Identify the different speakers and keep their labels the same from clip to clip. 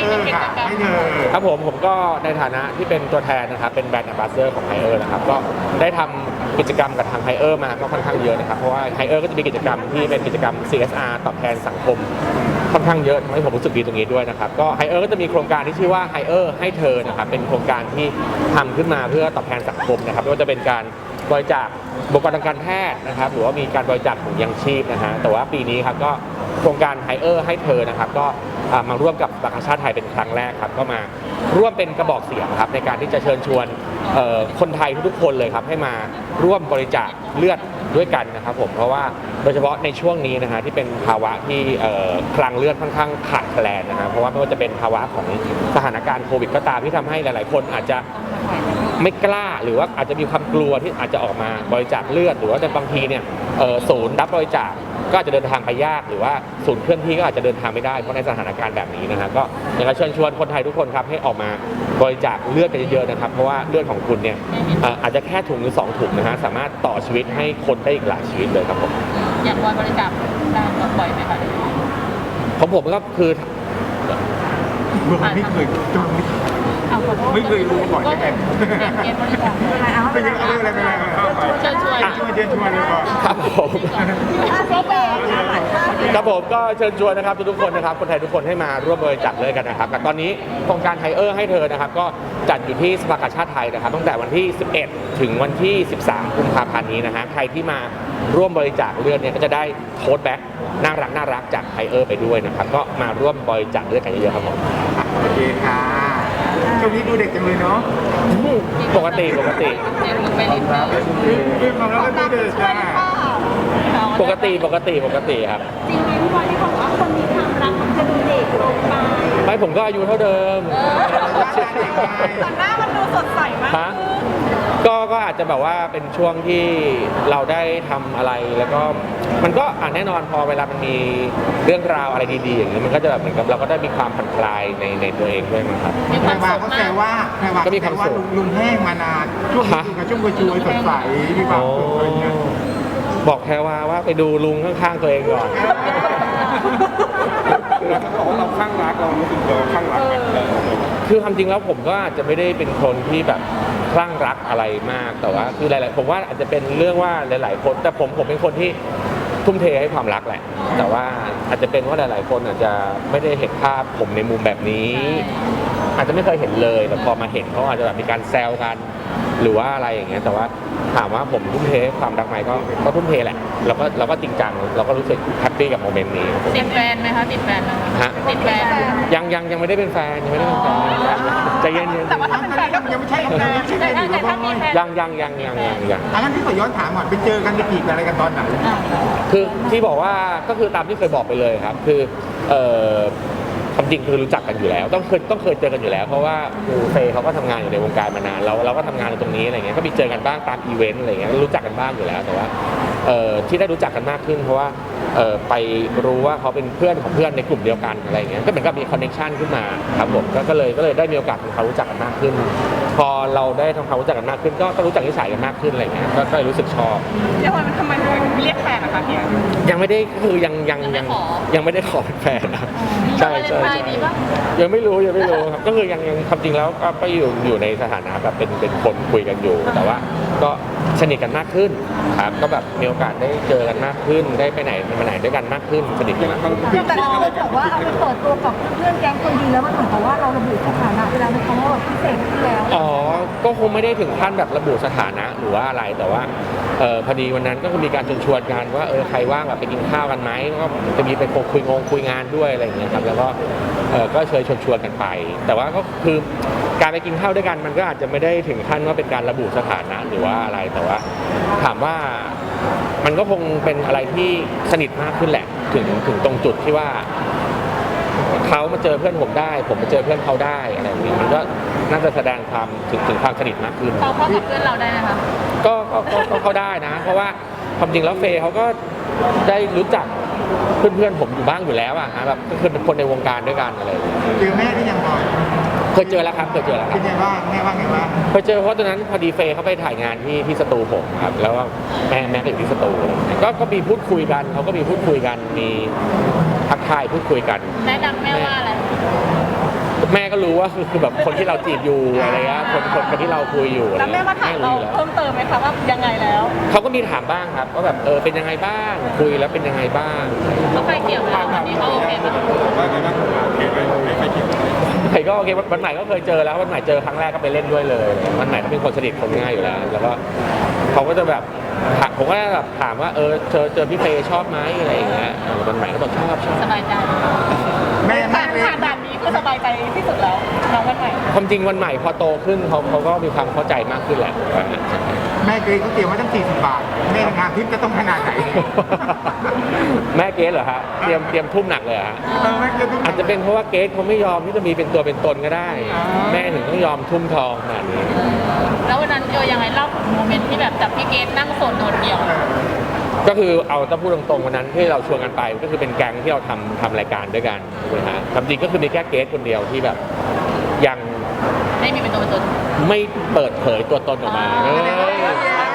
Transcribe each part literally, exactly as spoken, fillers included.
Speaker 1: ค่ะให้เธอ
Speaker 2: ครับผมผมก็ในฐานะที่เป็นตัวแทนนะครับเป็นแบรนด์แอมบาสเดอร์ของไฮเออร์นะครับก็ได้ทำกิจกรรมกับทางไฮเออร์มาก็ค่อนข้างเยอะนะครับเพราะว่าไฮเออร์ก็จะมีกิจกรรมที่เป็นกิจกรรม ซี เอส อาร์ ตอบแทนสังคมค่อนข้างเยอะทำให้ผมรู้สึกดีตรงนี้ด้วยนะครับก็ไฮเออร์ก็จะมีโครงการที่ชื่อว่าไฮเออร์ให้เธอนะครับเป็นโครงการที่ทำขึ้นมาเพื่อตอบแทนสังคมนะครับไม่ว่าจะเป็นการบริจาคบุคลากรทางการแพทย์นะครับหรือว่ามีการบริจาคถุงยางชีพนะฮะแต่ว่าปีนี้ครับก็โครงการไฮเออร์ให้เธอนะครับก็มาร่วมกับสภากาชาติไทยเป็นครั้งแรกครับก็มาร่วมเป็นกระบอกเสียงครับในการที่จะเชิญชวนคนไทยทุกๆคนเลยครับให้มาร่วมบริจาคเลือดด้วยกันนะครับผมเพราะว่าโดยเฉพาะในช่วงนี้นะฮะที่เป็นภาวะที่คลังเลือดค่อนข้างขาดแคลนนะฮะเพราะว่าไม่ว่าจะเป็นภาวะของสถานการณ์โควิดก็ตามที่ทำให้หลายๆคนอาจจะไม่กล้าหรือว่าอาจจะมีความกลัวที่อาจจะออกมาบริจาคเลือดหรือว่าในบางทีเนี่ยศูนย์รับบริจาคก็อาจจะเดินทางไปยากหรือว่าศูนย์เคลื่อนที่ก็อาจจะเดินทางไม่ได้เพราะในสถานการณ์แบบนี้นะฮะก็อยากจะเชิญชวนคนไทยทุกคนครับให้ออกมาบริจาคเลือดกันเยอะๆนะครับเพราะว่าเลือดของคุณเนี่ยอาจจะแค่ถุงหรือสองถุงนะฮะสามารถต่อชีวิตให้คนได้อีกหลายชีวิตเลยครับผม
Speaker 3: อยากบริจาคได้บ่อยไหมคะ
Speaker 2: ของผมก็คือ
Speaker 1: ไม่เคยจำไม่เคยรู้มาก่อนใช่ไหม
Speaker 3: เกณฑ์บริจาคอะไรเอา
Speaker 1: ไปอะไรอะไรไป
Speaker 3: เชิญชวน
Speaker 1: ชวนเชิญชวนเลยก่อน
Speaker 2: ครับผมครับผมก็เชิญชวนนะครับทุกๆคนนะครับคนไทยทุกคนให้มาร่วมบริจาคเลยกันนะครับแต่ตอนนี้โครงการไฮเออร์ให้เธอนะครับก็จัดอยู่ที่สภากาชาติไทยนะครับตั้งแต่วันที่สิบเอ็ดถึงวันที่สิบสามกุมภาพันธ์นี้นะฮะใครที่มาร่วมบริจาคเลือดเนี่ยก็จะได้โค้ดแบ็คน่ารักน่ารักจากไฮเออร์ไปด้วยนะครับก็มาร่วมบริจาคเลือดกันเยอะๆครับผม
Speaker 1: โอเคค่ะช่วงนี้ดูเด็กจังเลยเนาะ
Speaker 2: ปกติปกติ
Speaker 1: คือความรักก็ดูเด็กจ้า
Speaker 2: ปกติปกติปกติครับ
Speaker 3: จริงไหมพี่บอยที่บอกว่าคนมีความรักมันจะดูเด็กลงไป
Speaker 2: ไม่ผมก็อายุเท่าเดิม
Speaker 3: แต่หน้ามันดูสดใสมาก
Speaker 2: ก็ก็อาจจะแบบว่าเป็นช่วงที่เราได้ทำอะไรแล้วก็มันก็อ่ะแน่นอนพอเวลามันมีเรื่องราวอะไรดีๆอย่างนี้มันก็จะแบบเหมือนกับเราก็ได้มีความผ่อนคลายในในตัวเองด้วยนะครับ
Speaker 1: แพรวาเขาแซวว่าแพรวาก็มีความสุขลุงแห้งมานานช่วงนี้กับช่วงกระจุยสดใสมีความสุขอะไรเงี้ย
Speaker 2: บอกแพรวาว่าไปดูลุงข้างๆตัวเองก่อน
Speaker 1: เราเขาบอกว่าเราข้างรักเรารู้สึกเราข้างรัก
Speaker 2: คือความจริงแล้วผมก็อาจจะไม่ได้เป็นคนที่แบบคลั่งรักอะไรมากแต่ว่าคือหลายๆผมว่าอาจจะเป็นเรื่องว่าหลายๆคนแต่ผมผมเป็นคนที่ทุ่มเทให้ความรักแหละแต่ว่าอาจจะเป็นว่าหลายๆคนอาจจะไม่ได้เห็นภาพผมในมุมแบบนี้อาจจะไม่เคยเห็นเลยแต่พอมาเห็นเขาอาจจะแบบมีการแซวกันหรือว่าอะไรอย่างเงี้ยแต่ว่าถามว่าผมทุ่มเทความรักไหมก็ก็ทุ่มเทแหละเราก็เราก็จริงจังเราก็รู้สึกแฮปปี้กับโมเมนต์นี้
Speaker 3: ติดแฟนไหมคะติดแฟนไหม
Speaker 2: ฮะ
Speaker 3: ติดแฟน
Speaker 2: ยังยังยังไม่ได้เป็นแฟนยังไม่ได้เป็นแฟนใจเย็นๆ
Speaker 3: แต่ว่าถ้าเป็นแฟนก็
Speaker 1: ยังไม่ใช่แฟน
Speaker 3: แต่ถ้ามีแฟน
Speaker 2: ยังยังยังยังยังยัง
Speaker 1: อันนั้นที่ขอย้อนถามก่อนไปเจอกันไปจีบอะไรกันตอนไหน
Speaker 2: คือที่บอกว่าก็คือตามที่เคยบอกไปเลยครับคือเอ่อความจริงคือรู้จักกันอยู่แล้วต้องเคยต้องเคยเจอกันอยู่แล้วเพราะว่าครูเฟย์เขาก็ทำงานอยู่ในวงการมานานเราเราก็ทำงานอยู่ตรงนี้อะไรเงี้ยก็มีเจอกันบ้างตามอีเวนต์อะไรเงี้ยรู้จักกันบ้างอยู่แล้วแต่ว่าที่ได้รู้จักกันมากขึ้นเพราะว่าไปรู้ว่าเขาเป็นเพื่อนของเพื่อนในกลุ่มเดียวกันอะไรเงี้ยก็เหมือนกับมีคอนเนคชั่นขึ้นมาครับผมก็เลยก็เลยได้มีโอกาสทำความรู้จักกันมากขึ้นพอเราได้ทำความรู้จักกันมากขึ้นก็ก็รู้จักนิสัยกันมากขึ้นอะไรเงี้ยก็เลยรู้สึกชอบ
Speaker 3: เดี๋ยวมันทำไมเรียกแฟนอะคะเฮีย
Speaker 2: ยังไม่ได้คือยังยังยังยังไม่ได้ขอเป็นแฟนนะใช่ใช่ยังไม่รู้ยังไม่รู้ครับก็คือยังยังความจริงแล้วก็ก็อยู่อยู่ในสถานะแบบเป็นเป็นคนคุยกันอยู่แต่ว่าก็สนิทกันมากขึ้นครับก็แบบมีโอกาสได้เจอกันมากขึ้นได้ไปไหนมาไหนด้วยกันมากขึ้นสนิทกันมากขึ้น
Speaker 4: แต่เราบอกว่าเอาไปเปิดตัวกับเพื่อนแก๊งคนดีแล้วมันเหมือนกับว่าเราระบุสถานะเวลาในคำว่าแบบพิเศษขึ้นแล้ว
Speaker 2: อ๋อก็คงไม่ได้ถึงขั้นแบบระบุสถานะหรือว่าอะไรแต่ว่าเออพอดีวันนั้นก็มีการชวนชวนกันว่าเออใครว่างแบบไปกินข้าวกันไหมก็จะมีไปคุยงงคุยงานด้วยอะไรอย่างเงี้ยครับแล้วก็เออก็เชิญชวนชวนกันไปแต่ว่าก็คือการไปกินข้าวด้วยกันมันก็อาจจะไม่ได้ถึงขั้นว่าเป็นการระบุสถานะหรือว่าอะไรแต่ว่าถามว่ามันก็คงเป็นอะไรที่สนิทมากขึ้นแหละถึงถึงตรงจุดที่ว่าเขามาเจอเพื่อนผมได้ผมมาเจอเพื่อนเขาได้อะไรอย่างนี้มันก็น่าจะแสดงความถึงถึงความสนิทมากขึ้น
Speaker 3: เขาเข้ากับเพื่อนเราได้ไหมคะ
Speaker 2: ก็ก็ก็เขาได้นะเพราะว่าความจริงแล้วเฟย์เขาก็ได้รู้จักเพื่อนๆผมอยู่บ้างอยู่แล้วอะฮะแบบก็คือเป็นคนในวงการด้วยกันอะไร
Speaker 1: เจอแม่ที่ยังบอย
Speaker 2: เคยเจอแล้วครับเคยเจอแล้วครับ
Speaker 1: เป็นไงบ้างแม่ว่าไงบ้าง
Speaker 2: เคยเจอเพราะตอนนั้นพอดีเฟย์เขาไปถ่ายงานที่ที่สตูผมครับแล้วแม่แม่ก็อยู่ที่สตูก็ก็มีพูดคุยกันเขาก็มีพูดคุยกันมีทักทายพูดคุยกัน
Speaker 3: แม่ดังแม่ว่าอะไร
Speaker 2: แม่ก็รู้ว่าคือแบบคนที่เราจีบอยู่อะไรเงี้ยคนคนคนที่เราคุยอยู่อะไร
Speaker 3: แล้วแม่
Speaker 2: เงี้ย
Speaker 3: มาถามเรา
Speaker 2: รู้อยู่แล้ว
Speaker 3: เพิ่มเติมไหมคะว่ายังไงแล้ว
Speaker 2: เขาก็มีถามบ้างครับว่าแบบเออเป็นยังไงบ้างคุยแล้วเป็นยังไงบ้าง
Speaker 3: เขาไฟเกี่ยวแล้ววันนี้เขาโอเคไหม
Speaker 1: ว่าไงบ้างโอเคไหมไม่ไปเกี่ยว
Speaker 2: ใครก็โอเควันใหม่ก็เคยเจอแล้ววันใหม่เจอครั้งแรกก็ไปเล่นด้วยเลยวันใหม่เขาเป็นคนสนิทคนง่ายอยู่แล้ว แล้วก็เขาก็จะแบบถามผมก็แบบถามว่าเออเจอเจอพี่เฟย์ชอบไหมอะไรอย่างเงี้ยวันใหม่ก็บอกชอบชอบ
Speaker 3: สบายใจ
Speaker 1: แม่แม่
Speaker 3: ผ่านผ่านด่านนี้คือสบายใจที่สุดแล้วน้องวันใหม่
Speaker 2: ความจริงวันใหม่พอโตขึ้นเขาเขาก็มีความเข้าใจมากขึ้นแหละ
Speaker 1: แม่เกรซเขาเตรียมไว้ตั้งสี่สิบบาทแม่งานทิพย์จะต้องขนาดไหน
Speaker 2: แม่เกสเหรอฮะเตรียมเตรียมทุ่มหนักเลยเหรอฮะ
Speaker 1: เออแม่เกรซต้อง
Speaker 2: อาจจะเป็นเพราะว่าเกสเขาไม่ยอมที่จะมีเป็นตัวเป็นตนก็ได้
Speaker 1: อ่า
Speaker 2: แม่ถึงต้องยอมทุ่มทองขนาดนี้
Speaker 3: แล้ววันนั้นโยยังไงเล่าถึงโมเมนต์ที่แบบจับพี่เกดนั่งโซนโดดเดี่ยว
Speaker 1: เออ
Speaker 2: ก็คือเอาถ้าพูดตรงๆวันนั้นที่เราชวนกันไปก็คือเป็นแก๊งที่เราทำทำรายการด้วยกันนะฮะความจริงก็คือมีแค่เกสคนเดียวที่แบบยัง
Speaker 3: ไม่มีเป็นตัวเป็นตน
Speaker 2: ไม่เปิดเผยตัวตนออกมา
Speaker 3: อ่า
Speaker 2: เอ้ย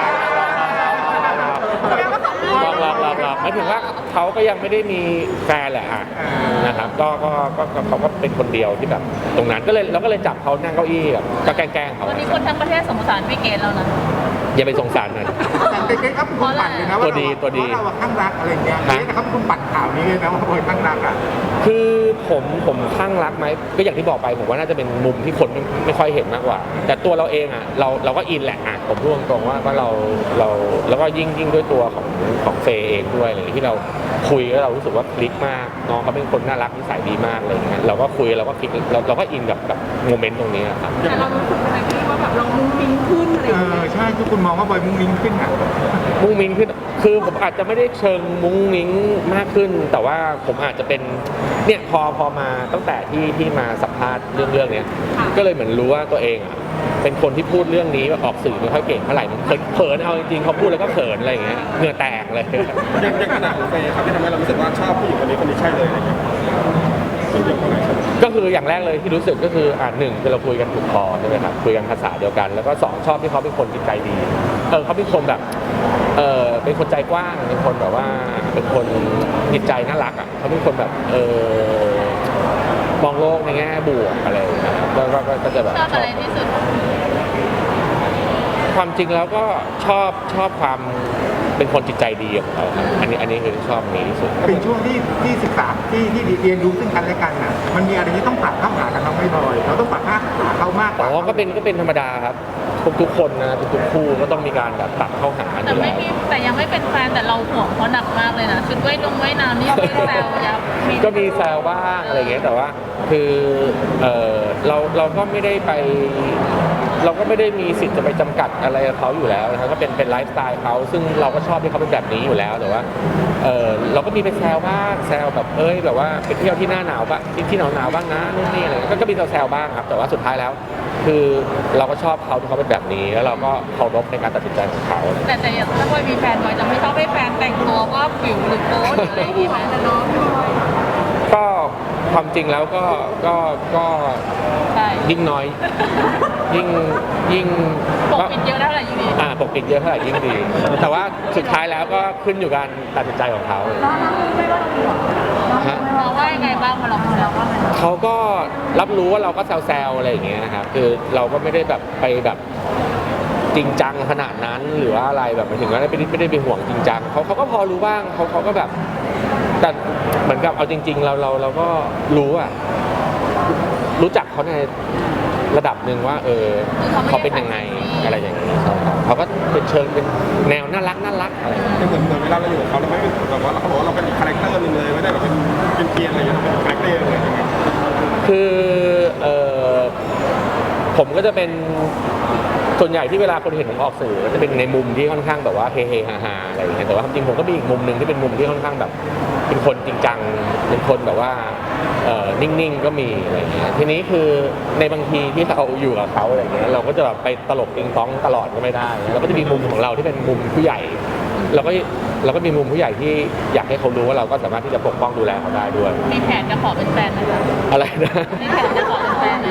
Speaker 2: ลองลองลองลองหมายถึงว่าเขาก็ยังไม่ได้มีแฟนแหละอ่ะนะครับก็ก็ก็ก็เขาก็เป็นคนเดียวที่แบบตรงนั้นก็เลยเราก็เลยจับเขานั่งเก้าอี้แบบก็แกล้งๆเขา
Speaker 3: วันนี้คนทั้งประเทศสงสารพี่เกดแล้วนะ
Speaker 2: อย่าไปสงสารมัน
Speaker 1: แต่เกรซเขาเป็นคนปั่นเลยนะว่า
Speaker 2: ตัวดีตัวดี
Speaker 1: เราอะข้างรักอะไรเงี้ยเกรซเขาเป็นคนปั่นข่าวนี้เลยนะว่าโอยข้างรักอ่ะ
Speaker 2: คือผมผมคลั่งรักไหมก็อย่างที่บอกไปผมว่าน่าจะเป็นมุมที่คนไม่ไม่ค่อยเห็นมากกว่า แต่ตัวเราเองอ่ะเราเราก็อินแหละอ่ะผมพูดตรงๆว่าว่าเราเราแล้วก็ยิ่งยิ่งด้วยตัวของของเฟย์เองด้วยอะไรอย่างเงี้ยที่เราคุยแล้วเรารู้สึกว่าคลิกมากน้องเขาเป็นคนน่ารักนิสัยดีมากอะไรอย่างเงี้ยเราก็คุยเราก็คลิกเราเราก็อินกับกับโมเมนต์ตรงนี้อะครับ
Speaker 4: แต่เรารู้สึกอะไรที่ว่าแบบเรามุ้งมิ้งขึ้นอะไรอ
Speaker 1: เอย่าง
Speaker 4: เงี้
Speaker 1: อย ใช่ทุกคนมองว่าบอยมุ้งมิ้งขึ้นอ่ะ
Speaker 2: มุ้งมิ้งขึ้นคือผมอาจจะไม่ได้เชิงมุ้งมิ้งมากขึ้น แต่ว่าผมอาจจะเป็นเนี่ยพอพอมาตั้งแต่ที่ที่มาสัมภาษณ์เรื่องเรื่องเนี้ยก็เลยเหมือนรู้ว่าตัวเองอ่ะเป็นคนที่พูดเรื่องนี้แบบออกสื่อไม่ค่อยเก่งเท่าไหร่มันเขินเขินเอาจริงๆเขาพูดแล้วก็เขินอะไรอย่างเงี้ยเหงื่อแตกเลย
Speaker 5: อย่างอย่างขนาดของเฟย์ครับที่ทำให้เรารู้สึกว่าชอบผู้หญิงคนนี้คนนี้ใช่เลยอะไรเงี้ยส่วนเดียวกันไหนครับ
Speaker 2: ก็คืออย่างแรกเลยที่รู้สึกก็คืออ่าหนึ่งคือเราคุยกันถูกคอใช่ไหมครับคุยกันภาษาเดียวกัน แล้วก็สองชอบที่เขาเป็นคนจิตใจดีเออเขาเป็นคนแบบเออเป็นคนใจกว้างเป็นคนแบบว่าเป็นคนจิตใจน่ารักอ่ะเขาเป็นคนแบบเออมองโลกในแง่บวกอะไรอย่างเงี้ยก็ก็ก็ก็จะแบบ
Speaker 3: ชอบอะไรที่สุด
Speaker 2: ความจริงแล้วก็ชอบชอบความเป็นคนจิตใจดีของเขาครับอันนี้อันนี้คือชอบอันนี้ที่สุด
Speaker 1: เป็นช่วงที่ที่ศึกษาที่ที่เรียนรู้ซึ่งกันและกันน่ะมันมีอะไรที่ต้องปรับเข้าหากันเราไม่บ่อยเราต้องปรับเข้าหาเขามากก
Speaker 2: อ๋
Speaker 1: ว่า
Speaker 2: อก็เป็นก็เป็นธรรมดาครับทุกทุกคนนะทุกทุกคู่ก็ต้องมีการแบบปรับเข้าหาอ
Speaker 3: แต่
Speaker 2: ยู่
Speaker 3: ไม่
Speaker 2: แล้ว
Speaker 3: มีแต่ยังไม่เป็นแฟนแต่เราห่วงเขาหนักมากเลยนะชุดว่ายนงว่ายน้ำนี่ไม่แซวยับ
Speaker 2: ก็มีแซวบ้างอะไรอย่างเงี้ยแต่ว่าคือเออเราเราก็ไม่ได้ไป เราก็ไม่ได้มีสิทธิ์จะไปจำกัดอะไรกับเขาอยู่แล้วนะครับก็เป็นเป็นไลฟ์สไตล์เขาซึ่งเราก็ชอบที่เขาเป็นแบบนี้อยู่แล้วแต่ว่าเออเราก็มีไปแซวบ้างแซวแบบเอ้ยแบบว่าไปเที่ยวที่หน้าหนาวบ้างที่ที่หนาวหนาวๆบ้างนะนู่นนี่อะไรก็ก็มีแซวๆบ้างครับแต่ว่าสุดท้ายแล้ว คือเราก็ชอบเขาที่เขาเป็นแบบนี้แล้วเราก็เคารพในการตัดสินใจของเขา
Speaker 3: แต่แต่อย่างถ้าบอยมีแฟนบอยจะไม่ชอบให้แฟนแต่งตัวว่าผิวหรือโป๊หรืออะไรอย่างงี้ไหมแต่น้องพี่บอย
Speaker 2: ก็ความจริงแล้วก็ก็ก็
Speaker 3: ใช่
Speaker 2: ยิ่งน้อย ยิ่งยิ่ง
Speaker 3: ปกปิดเยอะเท่าไหร่อยู่ดี
Speaker 2: อ่าปกปิดเยอะเท่าไหร่ยิ่งดี แต่ว่าสุดท้ายแล้วก็ขึ้นอยู่การตัดสินใจของเขา
Speaker 4: น้องน้องรู้ไหมว่าเรามีหรอน้อง
Speaker 2: ฮะ
Speaker 4: รู้ไหม
Speaker 3: เราว่ายังไงบ้างพอเราพูดแล้วว่ามัน
Speaker 2: เขาก็รับรู้ว่าเราก็แซวๆอะไรอย่างเงี้ยนะครับคือเราก็ไม่ได้แบบไปแบบจริงจังขนาดนั้นหรือว่าอะไรแบบหมายถึงว่าไม่ได้ไม่ได้ไปห่วงจริงจังเขาเขาก็พอรู้บ้างเขาเขาก็แบบแต่เหมือนกับเอาจริง ๆ เราเราเราก็รู้อะรู้จักเขาในระดับหนึ่งว่า เออเขาเป็นยังไงอะไรอย่างเงี้ยใช่ครับเขาก็เป็นเชิงเป็นแนวน่ารักน่ารักอะไรอย่างเงี้ย
Speaker 5: เหมือนเหมือนเวลาเราอยู่กับเขาเราไม่ได้แบบว่าเขาบอกว่าเราเป็นอีกคาแรคเตอร์หนึงเลยไม่ได้แบบเป็นเป็นเพียนอะไรอย่างเงี้ยเราเป็นคาแรคเตอร์เลยยังไง
Speaker 2: คือเออผมก็จะเป็นส่วนใหญ่ที่เวลาคนเห็นผมออกสื่อก็จะเป็นในมุมที่ค่อนข้างแบบว่าเฮเฮฮาฮาอะไรอย่างเงี้ยแต่ว่าจริงๆผมก็มีอีกมุมหนึ่งที่เป็นมุมที่ค่อนข้างแบบ เป็นคนจริงจังเป็นคนแบบว่าเอ่อนิ่งๆก็มีอะไรอย่างเงี้ยทีนี้คือในบางทีที่เราอยู่กับเขาอะไรอย่างเงี้ยเราก็จะแบบไปตลกติงต้องตลอดก็ไม่ได้เราก็จะมีมุมของเราที่เป็นมุมผู้ใหญ่เราก็เราก็มีมุมผู้ใหญ่ที่อยากให้เขารู้ว่าเราก็สามารถที่จะปกป้องดูแลเขาได้ด้วย
Speaker 3: มีแผนจะขอเป็นแฟนไหมคะ
Speaker 2: อะไรนะ
Speaker 3: มีแผนจะขอเป็นแฟนไหม
Speaker 4: มีว่า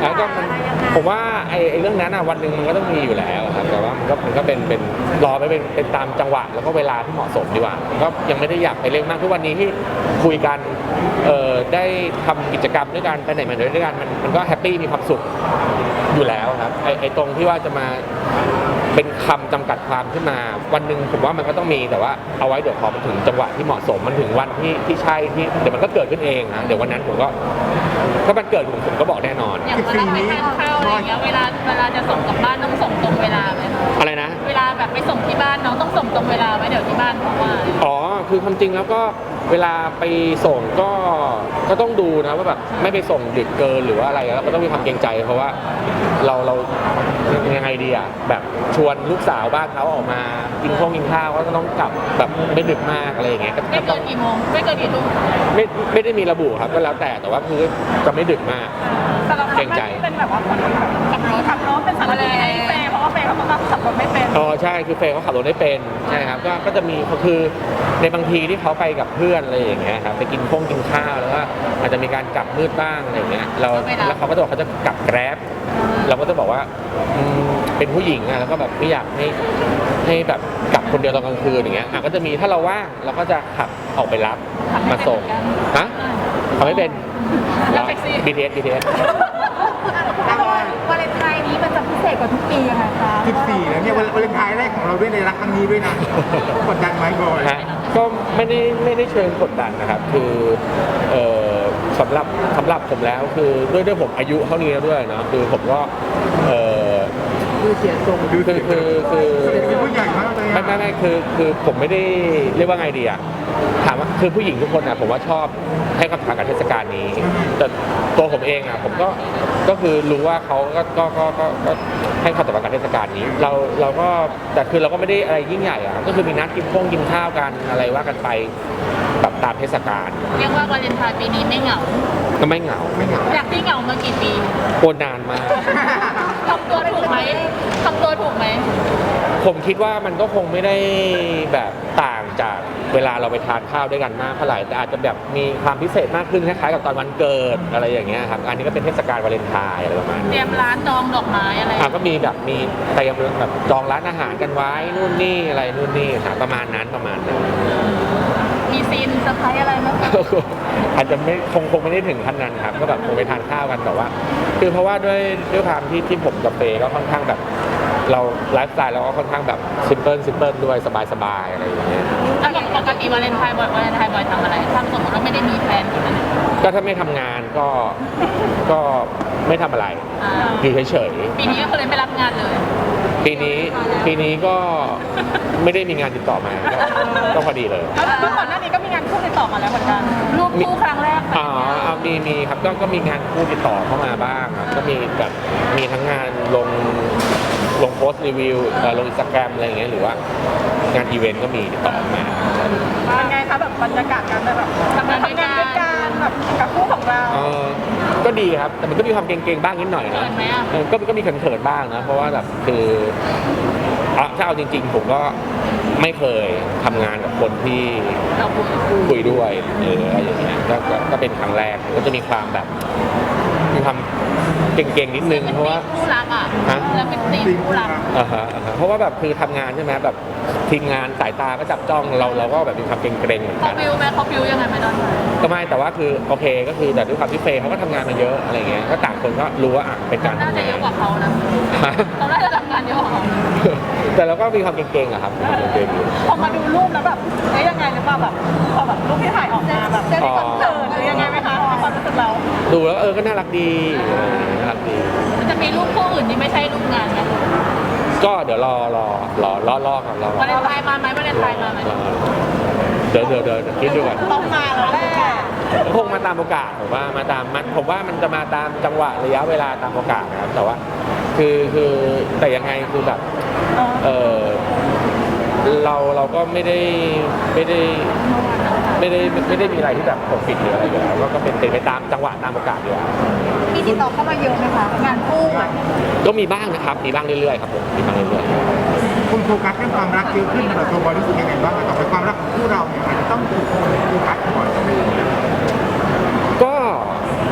Speaker 2: แล้วก็มันผมว่าไอ้ไอ้เรื่องนั้นอ่ะวันหนึ่งมันก็ต้องมีอยู่แล้วครับแต่ว่ามันก็มันก็เป็นเป็นรอไปเป็นเป็นตามจังหวะแล้วก็เวลาที่เหมาะสมดีกว่าก็ยังไม่ได้อยากไปเร่งมากทุกวันนี้ที่คุยกันเอ่อได้ทำกิจกรรมด้วยกันไปไหนมาไหนด้วยกันมันมันก็แฮปปี้มีความสุขอยู่แล้วครับไอ้ไอ้ตรงที่ว่าจะมาเป็นคำจำกัดความขึ้นมาวันหนึ่งผมว่ามันก็ต้องมีแต่ว่าเอาไว้เดี๋ยวพอมันถึงจังหวะที่เหมาะสมมันถึงวันที่ที่ใช่ที่เดี๋ยวมันก็เกิดขึ้นเองนะเดี๋ยววันนั้นผมก็ถ้ามันเกิดผมผมก็บอกแน่นอน
Speaker 3: อย่างเวลาไปทานข้าวอะไรอย่างเงี้ยเวลาเวลาจะส่งกลับบ้านต้องส่งตรงเวลาไหมคะ
Speaker 2: อะไรนะ
Speaker 3: เวลาแบบไปส่งที่บ้านน้องต้องส่งตรงเวลาไหมเดี๋ยวที่บ้านเพราะว่า
Speaker 2: อ๋อคือความจริงแล้วก็เวลาไปส่งก็ก็ต้องดูนะว่าแบบไม่ไปส่งดึกเกินหรือว่าอะไรแล้วก็ต้องมีความเกรงใจเพราะว่าเราเรายังไงดีอ่ะแบบชวนลูกสาวบ้านเขาออกมากินข้าวกินข้าวก็ต้องกลับแบบไม่ดึกมากอะไรอย่างเงี้ยก็
Speaker 3: ไม่
Speaker 2: ต้
Speaker 3: เกิ
Speaker 2: อง
Speaker 3: นกี่โมงไม่เกินกี่ทุ่ม
Speaker 2: ไม่ไม่ได้มีระบุครับก็แล้วแต่แต่ว่าคือจะไม่ดึกมาก
Speaker 4: แต่เรา
Speaker 2: เกรงใจ
Speaker 4: เป็นแบบว่าคนขับรถขับรถเป็นสารเลให้เฟย์เพราะว่าเฟย์เขาต้องขับรถไม่เป็น
Speaker 2: อ๋อใช่คือเฟย์เขาขับรถได้เป็นใช่ครับก็ก็จะมีคือในบางทีที่เขาไปกับเพื่อนอะไรอย่างเงี้ยครับไปกินข้งกินข้าวแล้วก็อาจจะมีการกลับมืดบ้างอะไรอย่างเงี้ยเราแล้วเขาก็จะบอกเขาจะกลับแกร็บเราก็จะบอกว่าอืมเป็นผู้หญิงอะแล้วก็แบบไม่อยากให้ให้แบบกลับคนเดียวตอนกลางคืนอย่างเงี้ยอ่ะก็จะมีถ้าเราว่างเราก็จะขับออกไปรับมาส่งฮะเขาไม่เป็น บี ที เอส บี ที เอส
Speaker 4: วาเลนไทน์นี้มันจะพิเศษกว่าทุกปียังไงคะ
Speaker 1: สิบสี่แล้วเนี่ยวาเลนไทน์แรกของเราด้วยในรักครั้งนี้ด้วยนะกดดันไหมบอย
Speaker 2: ฮะก็ไม่ได้ไม่ได้เชิงกดดันนะครับคือเอ่อสำหรับสำหรับผมแล้วคือด้วยด้วยผมอายุเท่านี้แล้วด้วยเนาะคือผมก็เอ่อ
Speaker 1: ดูเสียทรงดู
Speaker 2: คือคือคือ
Speaker 1: เป็นผู้ใหญ่มากเลย
Speaker 2: ไม่ไม่ไม่คือคือผมไม่ได้เรียกว่าไงดีอะถามว่าคือผู้หญิงทุกคนอะผมว่าชอบให้ความสำคัญกับเทศกาลนี้ แต่ตัวผมเองอะผมก็ก็คือรู้ว่าเขาก็ก็ก็ก็ก็ให้ความสำคัญกับเทศกาลนี้ เราเราก็แต่คือเราก็ไม่ได้อะไรยิ่งใหญ่อะก็คือมีนัดกินข้งกินข้าวกันอะไรว่ากันไปแบบตามเทศกาล
Speaker 3: เรียกว่าวาเลนไทน์ปีนี้ไม่เหงา
Speaker 2: ก็ไม่เหงา
Speaker 1: ไม่เหงา
Speaker 3: อยากที่เหงามากี่ปี
Speaker 2: โคนานมาก
Speaker 3: ทำตัวถูกไหมทำตัวถูกไหม
Speaker 2: ผมคิดว่ามันก็คงไม่ได้แบบต่างจากเวลาเราไปทานข้าวด้วยกันมากเท่าไหร่แต่อาจจะแบบมีความพิเศษมากขึ้นคล้ายๆกับตอนวันเกิดอะไรอย่างเงี้ยครับอันนี้ก็เป็นเทศกาลวาเลนไทน์อะไรประมาณ
Speaker 3: เต
Speaker 2: นี้
Speaker 3: รียมร้านจองดอกไม้อะไร
Speaker 2: อ่ะก็มีแบบมีเตรียมแบบจองร้านอาหารกันไว้นู่นนี่อะไรนู่นนี่ค่ะประมาณนั้นประมาณนั้น
Speaker 3: มีซีนเซอร์ไพรส์อะไรไหมคะ
Speaker 2: อาจจะไม่คงคงไม่ได้ถึงขั้นนั้นครับก็แบบคงไปทานข้าวกันแต่ว่า คือเพราะว่าด้วยด้วยความที่ที่ผมกับเฟย์ก็ค่อนข้างแบบ เราไลฟ์สไตล์เราก็ค่อนข้างแบบซิมเพิลซิมเพิลด้วยสบายๆอะไรอย่างเงี้ย
Speaker 3: แล้วปกติวาเลนไทน์บ่อยวาเลนไทน์บ่อยทำอะไรถ้าสมมติว่าไม่ได้มีแฟนคนนั้น
Speaker 2: ก็ถ้าไม่ทำงานก็ก็ไม่ทำอะไร
Speaker 3: อ่า
Speaker 2: อยู่เฉย
Speaker 3: ปีนี้ก็เลยไม่รับงานเลย
Speaker 2: ๆปีนี้ปีนี้ก็ไม่ได้มีงานติดต่อมาก็ก็พอดีเลย
Speaker 3: แล้วเมื่อก่อนหน้านี้ก็มีงานคู่ติดต่อมาแล้วเหมือนกันรูปคู่ครั้งแรก
Speaker 2: อ๋อเอามีมีครับก็ก็มีงานคู่ติดต่อเข้ามาบ้างครับก็มีแบบมีทั้งงานลงลงโพสต์รีวิวเอ่อลงอินสตาแกรมอะไรอย่างเงี้ยหรือว่างานอีเวนต์ก็มีติดต่อมา
Speaker 4: เป็นไงคะแบบบรรยากาศการแบบทำงานด้วยกันแบบกับคู่ของเรา
Speaker 2: เออก็ดีครับแต่มันก็มีความเกรงๆบ้างนิดหน่อยนะ
Speaker 3: เขินไหมอ่ะ
Speaker 2: เออก็ก็มีเขินๆบ้างนะเพราะว่าแบบคืออ่ะถ้าเอาจริง ๆ ผมก็ไม่เคยทำงานกับคนที่
Speaker 3: เราคุย
Speaker 2: คุยด้วยเอออะไรอย่างเงี้ยก็ก็ก็เป็นครั้งแรกก็จะมีความแบบมีความเก่งๆนิดนึงเพราะว่า
Speaker 3: คู่รักอ่ะ
Speaker 2: ฮะ
Speaker 3: แล้วเป็นตีมคู่รัก
Speaker 2: อ่าฮะอ่าฮะเพราะว่าแบบคือทำงานใช่ไหมแบบทีมงานสายตาก็จับจ้องเราเราก็แบบมีความเกรงๆเหมือน
Speaker 3: เขา
Speaker 2: กัน
Speaker 3: ฟิวไหมเขาฟิวยังไงไหมตอนนั้น
Speaker 2: ก็ไม่แต่ว่าคือโอเคก็คือแต่ด้วยความที่เฟย์เขาก็ทำงานมาเยอะอะไรเงี้ยก็ต่างคนก็รู้ว่าอ่ะเป็นการ
Speaker 3: น่า
Speaker 2: ทำ
Speaker 3: จะ
Speaker 2: งา
Speaker 3: เย
Speaker 2: น
Speaker 3: อะกว่าเขานะ
Speaker 2: ฮะ
Speaker 3: เขาน่าจะทำงานเยอะกว่าเขา
Speaker 2: แต่เราก็มีความเก่งๆอะครับมีความเก่งๆอยู่
Speaker 4: พอมาดูรูปแล้วแบบเอ๊ยยังไงหรือเปล่าแบบพอแบบรูปที่ถ่ายออกมาแบบจะมีความเขินหรือยังไงไหมคะความรู้สึกเรา
Speaker 2: ดูแล้วเออก็น่ารักดีเออน่ารักดี
Speaker 3: มันจะมีรูปคู่อื่นที่ไม่ใช่รูปงานไหม
Speaker 2: ก็เดี๋ยวรอรอรอรอรอครับรอรอ
Speaker 3: วาเลนไทน์มาไหมวาเลนไทน์มาไหม
Speaker 2: เดี๋ยวเดี๋ยวเดี๋ยวคิดดูก่อน
Speaker 4: ต้องมาแล้วแหละ
Speaker 2: คงมาตามโอกาสผมว่ามาตามมันผมว่ามันจะมาตามจังหวะระยะเวลาตามโอกาสนะครับแต่ว่าคือคือแต่ยังไงคือแบบเออเราเราก็ไม่ได้ไม่ได้ไม่ได้ไม่ได้มีอะไรที่แบบปกปิดหรืออะไรอยู่แล้วก็ก็เป็นไปตามจังหวะตามโอกาสอยู่แล้ว
Speaker 4: มีติดต่อเข้ามาเยอะไหมคะงานคู่อะ
Speaker 2: ก็มีบ้างนะครับมีบ้างเรื่อยๆครับผมมีบ้างเรื่อยๆ
Speaker 1: คุณโฟกัสเรื่องความรักเยอะขึ้นสำหรับตัวบอยรู้สึกยังไงบ้างต่อไปความรักของคู่เราเนี่ยมันจะต้องถูกโฟกัสก่อน
Speaker 2: ก็ค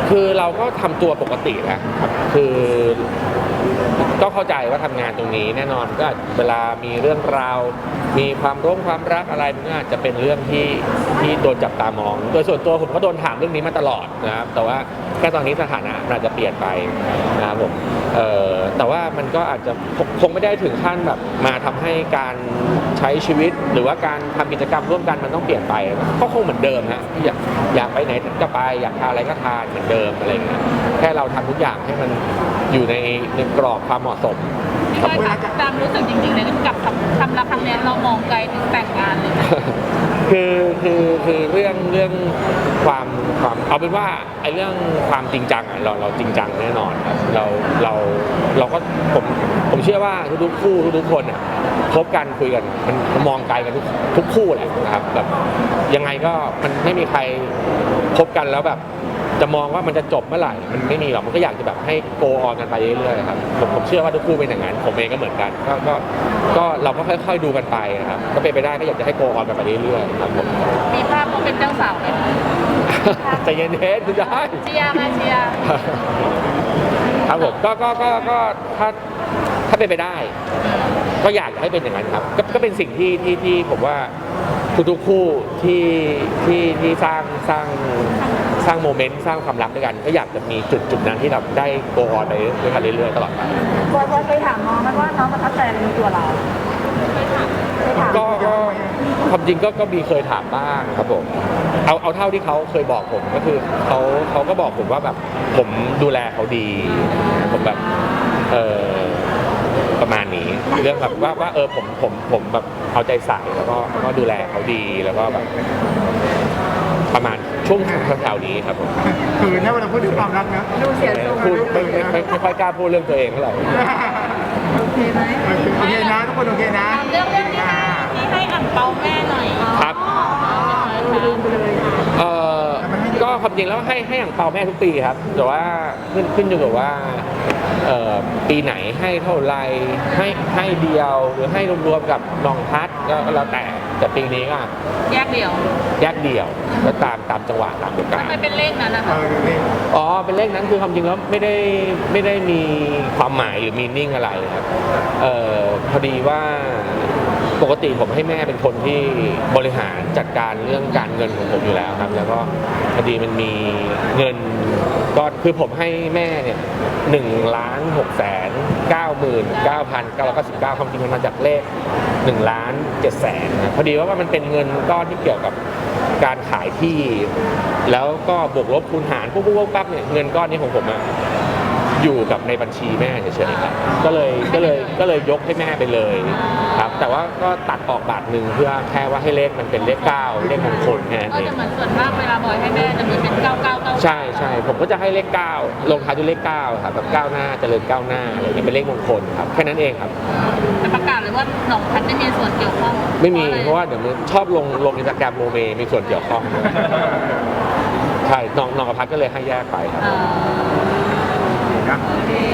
Speaker 2: คือเราก็ทำตัวปกตินะครับคือก็เข้าใจว่าทำงานตรงนี้แน่นอนก็เวลามีเรื่องราวมีความร่วมความรักอะไรมันก็อาจจะเป็นเรื่องที่ที่โดนจับตามองโดยส่วนตัวผมก็โดนถามเรื่องนี้มาตลอดนะครับแต่ว่าแค่ตอนนี้สถานะอาจจะเปลี่ยนไปนะครับผมเอ่อแต่ว่ามันก็อาจจะคงไม่ได้ถึงขั้นแบบมาทำให้การใช้ชีวิตหรือว่าการทำกิจกรรมร่วมกันมันต้องเปลี่ยนไปก็คงเหมือนเดิมฮะอยากอยากไปไหนก็ไปอยากทานอะไรก็ทานเหมือนเดิมอะไรอย่างเงี้ยแค่เราทำทุกอย่างให้มันอยู่ในในกรอบความเหมาะสม
Speaker 3: พี่ก้อยคะตามรู้สึกจริงๆเลยกับคำรักคำนี้เรามองไกลถึงแต่งงานเลยไหม
Speaker 2: คือคือคือเรื่องเรื่องความความเอาเป็นว่าไอ้เรื่องความจริงจังอ่ะเราเราจริงจังแน่นอนครับเราเราเราก็ผมผมเชื่อว่าทุกๆคู่ทุกๆคนอ่ะคบกันคุยกันมันมันมองไกลกันทุกทุกคู่แหละนะครับแบบยังไงก็มันไม่มีใครคบกันแล้วแบบจะมองว่ามันจะจบเมื่อไหร่มันไม่มีหรอกมันก็อยากจะแบบให้โกออนกันไปเรื่อยๆครับผมผมเชื่อว่าทุกคู่เป็นอย่างนั้นผมเองก็เหมือนกันก็ก็ก็เราก็ค่อยๆดูกันไปนะครับก็เป็นไปได้ก็อยากจะให้โกออนกันไปเรื่อยๆครับผม
Speaker 3: มีภาพเขาเป็นเจ้าสาวไหม
Speaker 2: ใจเย็นๆคุณได้
Speaker 3: เชียร์มาเชียร์
Speaker 2: ครับผมก็ก็ก็ก็ถ้าถ้าเป็นไปได้ ก็อยากให้เป็นอย่างนั้นครับก็ก็เป็นสิ่งที่ที่ที่ผมว่าทุกๆคู่ที่ที่ที่สร้างสร้างสร้างโมเมนต์สร้างความรักด้วยกันก็อยากจะมีจุดจุดนั้นที่เราได้โกออนไปด้วยกันเรื่อยๆตลอดไป
Speaker 4: บอยบอยเคยถามน้องไหมว่าน้องประทับใจอะไรในตัวเราเคยถามเคยถาม
Speaker 2: ก็ก็ความจริงก็ก็มีเคยถามบ้างครับผมเอาเอาเท่าที่เขาเคยบอกผมก็คือเขาเขาก็บอกผมว่าแบบผมดูแลเขาดีผมแบบเออประมาณนี้เรื่องแบบว่าว่าเออผมผมผมแบบเอาใจใส่แล้วก็แล้วก็ดูแลเขาดีแล้วก็แบบประมาณช่วงแถวๆนี้ครับผม
Speaker 1: คือเนี่ยเวลาพูดถึงความรักนะ
Speaker 4: ดูเสียทรง
Speaker 2: พูดไม่ไม่ไม่ไม่ค่อยกล้าพูดเรื่องตัวเองเท่าไหร่
Speaker 4: โอเคไหม
Speaker 1: โอเคนะทุกคนโอเคนะ
Speaker 3: ตามเรื่องเรื่องที่ให้ที่ให้อ่างเปาแม่หน่อย
Speaker 2: ครับ
Speaker 4: ลืมไปเลยค่ะ
Speaker 2: เอ่อก็ความจริงแล้วให้ให้อ่างเปาแม่ทุกปีครับแต่ว่าขึ้นขึ้นอยู่กับว่าเอ่อปีไหนให้เท่าไรให้ให้เดียวหรือให้รวมๆกับน้องพัดก็แล้วแต่แต่ปีนี้ก็
Speaker 3: แยกเดี่ยว
Speaker 2: แยกเดี่ยวก็ตามตามจังหวะตามโอกาส
Speaker 3: ทำไมเป็นเลขนั้นนะ
Speaker 1: เอ
Speaker 3: คะ
Speaker 1: อนี่
Speaker 2: อ๋อเป็นเลขนั้นคือความจริงแล้วไม่ได้ไม่ได้มีความหมายหรือมีนิ่งอะไรครับเอ่อพอดีว่าปกติผมให้แม่เป็นคนที่บริหารจัดการเรื่องการเงินของผมอยู่แล้วครับแล้วก็พอดีมันมีเงินก็คือผมให้แม่เนี่ยหนึ่งล้านหกแสนเก้าหมื่นเก้าพันเก้าร้อยเก้าสิบเก้าความจริงมันมาจากเลขหนึ่งล้านเจ็ดแสนนะพอดีว่ามันเป็นเงินก้อนที่เกี่ยวกับการขายที่ แล้วก็บวกลบคูณหารปุ๊บปุ๊บปุ๊บปั๊บเนี่ยเงินก้อนนี้ของผมอะอยู่กับในบัญชีแม่เฉยๆครับก็เลยก็เลยก็เลยยกให้แม่ไปเลยครับแต่ว่าก็ตัดออกบาทหนึ่งเพื่อแค่ว่าให้เลขมันเป็นเลขเก้าเลขมงคลแค่นั้น
Speaker 3: ก็
Speaker 2: เอง
Speaker 3: จะเหมือนส่วนมากเวลาบอยให้แม่จะมีเป็นเก้าเก้าเก้า
Speaker 2: ใช่ใช่ผมก็จะให้เลขเก้าลงท้ายด้วยเลขเก้าครับแบบก้าวหน้าเจริญก้าวหน้าอะไรอย่างเงี้ยเป็นเลขมงคลครับแค่นั้นเองครับ
Speaker 3: จะประกาศเลยว่าหนองพัดไม่มีส่วนเกี่ยวข้อง
Speaker 2: ไม่มีเพราะว่าเดี๋ยวมันชอบลงลงอินสตาแกรมโมเมมีส่วนเกี่ยวข้องใช่น้องน้องกับพัดก็เลยให้แยกไปครับ
Speaker 3: อ่า
Speaker 1: นะ
Speaker 3: โอเค